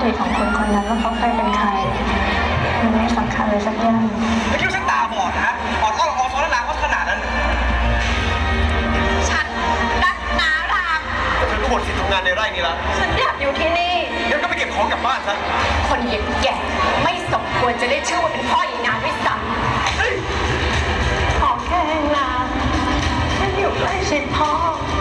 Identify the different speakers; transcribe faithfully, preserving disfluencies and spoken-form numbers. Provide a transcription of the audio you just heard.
Speaker 1: ติของคนคนนั้นว่าเขาเคยเป็นใครมันไม่สำคัญเลยสักอย่าง
Speaker 2: ไม่คิดว่าฉันตาบอดนะฮะอ่อนอ้อนอ่อนซ้อนล้างว่าขนาดนั้น
Speaker 3: ฉันรักนาราม
Speaker 2: แต่เธอก็หมดสิทธิ์ทำงานในไร่นี้แล้ว
Speaker 3: ฉันอยากอยู่ที่นี่
Speaker 2: งั้นก็ไปเก็บของกลับบ้านซะ
Speaker 3: คนอย่างแกไม่สมควรจะได้ชื่อว่าเป็นพ่ออีนานด้วยซ้ำ
Speaker 1: ขอแค่นานฉันอยู่ใกล้ชิดพ่อ